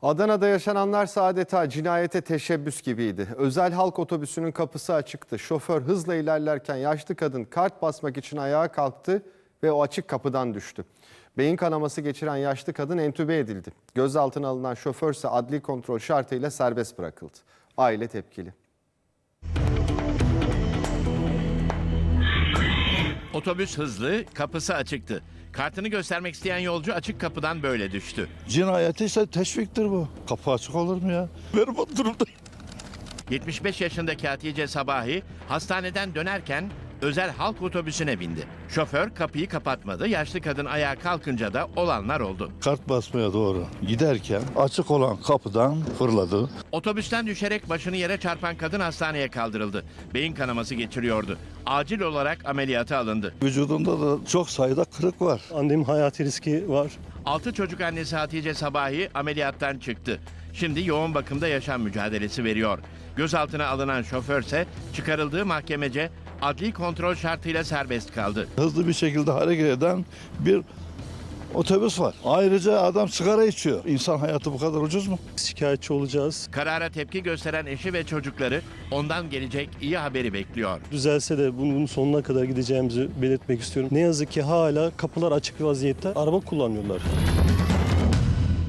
Adana'da yaşananlar adeta cinayete teşebbüs gibiydi. Özel halk otobüsünün kapısı açıktı. Şoför hızla ilerlerken yaşlı kadın kart basmak için ayağa kalktı ve o açık kapıdan düştü. Beyin kanaması geçiren yaşlı kadın entübe edildi. Gözaltına alınan şoför ise adli kontrol şartıyla serbest bırakıldı. Aile tepkili. Otobüs hızlı, kapısı açıktı. Kartını göstermek isteyen yolcu açık kapıdan böyle düştü. Cinayete ise teşviktir bu. Kapı açık olur mu ya? Berbat durumda. 75 yaşındaki Hatice Sabahi hastaneden dönerken özel halk otobüsüne bindi. Şoför kapıyı kapatmadı. Yaşlı kadın ayağa kalkınca da olanlar oldu. Kart basmaya doğru giderken açık olan kapıdan fırladı. Otobüsten düşerek başını yere çarpan kadın hastaneye kaldırıldı. Beyin kanaması geçiriyordu. Acil olarak ameliyata alındı. Vücudunda da çok sayıda kırık var. Annemin hayati riski var. 6 çocuk annesi Hatice Sabahi ameliyattan çıktı. Şimdi yoğun bakımda yaşam mücadelesi veriyor. Gözaltına alınan şoförse çıkarıldığı mahkemece adli kontrol şartıyla serbest kaldı. Hızlı bir şekilde hareket eden bir otobüs var. Ayrıca adam sigara içiyor. İnsan hayatı bu kadar ucuz mu? Şikayetçi olacağız. Karara tepki gösteren eşi ve çocukları ondan gelecek iyi haberi bekliyor. Düzelse de bunun sonuna kadar gideceğimizi belirtmek istiyorum. Ne yazık ki hala kapılar açık vaziyette araba kullanıyorlar.